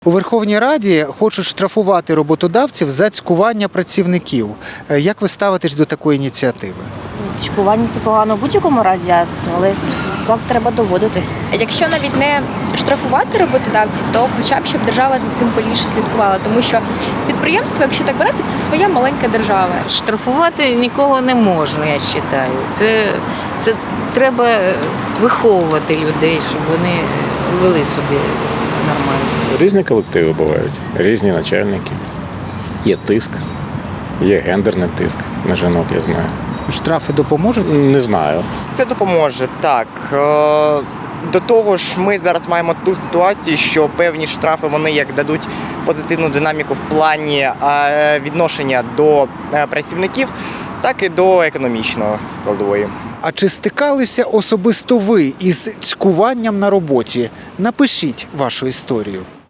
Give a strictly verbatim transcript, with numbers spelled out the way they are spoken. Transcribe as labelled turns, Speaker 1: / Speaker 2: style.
Speaker 1: У Верховній Раді хочуть штрафувати роботодавців за цькування працівників. Як ви ставитесь до такої ініціативи?
Speaker 2: Цькування – це погано в будь-якому разі, але факт треба доводити.
Speaker 3: Якщо навіть не штрафувати роботодавців, то хоча б щоб держава за цим поліше слідкувала, тому що підприємство, якщо так брати, це своя маленька держава.
Speaker 4: Штрафувати нікого не можна, я вважаю. Це, це треба виховувати людей, щоб вони вели собі нормально.
Speaker 5: Різні колективи бувають, різні начальники. Є тиск, є гендерний тиск на жінок, я знаю.
Speaker 1: Штрафи допоможуть?
Speaker 5: Не знаю.
Speaker 6: Це допоможе, так. Е, До того ж, ми зараз маємо ту ситуацію, що певні штрафи вони як дадуть позитивну динаміку в плані е, відношення до е, працівників, так і до економічної складової.
Speaker 1: А чи стикалися особисто ви із цькуванням на роботі? Напишіть вашу історію.